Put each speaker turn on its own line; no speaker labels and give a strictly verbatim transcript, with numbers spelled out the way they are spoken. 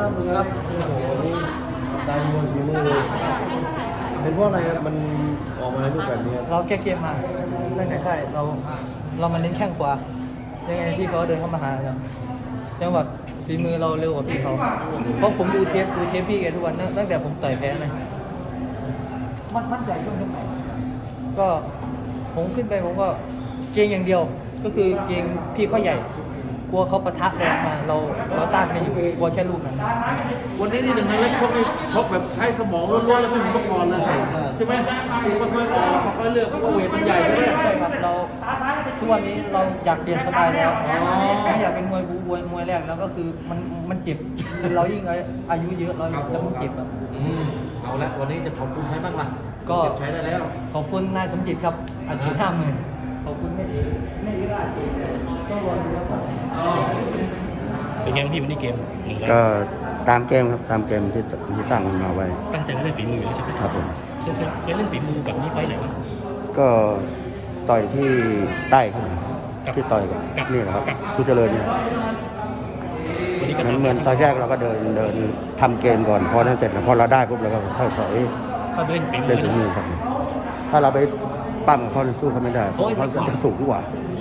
ครับโอ้โหนี่ตายมวยฝีมือเลยเป็นเพราะอะไรครับมันออกมาในรูปแบบนี้
เราแก้เกมมาตั้งแต่ค่ายเราเรามาเน้นแข้งขวายังไงพี่เขาเดินเข้ามาหาเราจังหวะฝีมือเราเร็วกว่าพี่เขาเพราะผมดูเทปดูเทปพี่แกทุกวันตั้งแต่ผมต่อยแพ้เลยมันมั่นใจช่วงไหนก็ผมขึ้นไปผมก็เกรงอย่างเดียว ก็คือเกรงพี่เขาใหญ่กลัวเขาปะทะแรงมาเราเราต้านไม่อยู่กลัวแค่ลูกนั้น
วันนี้นี่หนึ่งในเล็กชกนี่ชกแบบใช้สมองล้วนๆแล้วไม่เหมือนเมื่อก่อนเลยใช่ไหมค่อยๆออกค่อยๆเลือกเพราะว่าเวทมันใหญ่ใช่ไหม
ใช่ครับเราทุกวันนี้เราอยากเปลี่ยนสไตล์แล้วไม่อยากเป็นมวยบูมวยมวยแรกแล้วก็คือมันมันเจ็บคือเรายิ่งอายุเยอะเราแล้วมันเจ็บอ่ะ
อืมเอาละวันนี้จะขอบคุณใครบ้างล่ะ
ก็
เก็บใช้ได้แล้ว
ขอบคุณนายสมจิตครับอาชีพห้าหมื่นขอบคุณแม่แม่ยีราชีก็รอดูครับ
เป็นไงบ้างพี่วันนี้เกมหนึ่งร้อย
ก็ตามเกมครับตามเกมที่ที่ตั้งมาไว้
ตั้งใจเล่นฝีมืออยู่แล้วใช่ไหม
ครับผม
เคยเคยเคยเล่นฝีมือแบบนี้ไฟไหนบ้าง
ก็ต่อยที่ใต้ครับ
กับ
ที่ต่อยกับ
กับ
นี่แหละครับ
กับ
ชูเจริญเนี่ย
วันนี้ก็
เหมือน
ตาม
เหมือนตอนแรกเราก็เดินเดินทำเกมก่อนพอนั้นเสร็จแล้วพอเราได้ปุ๊บเราก็ค่อยถอย
ก็เล่นฝีมื
เล่
อน
ถึงมือครับถ้าเราไปปั้มเขาสู้เขาไม่ได้เพราะเขาจะสูงกว่า
อื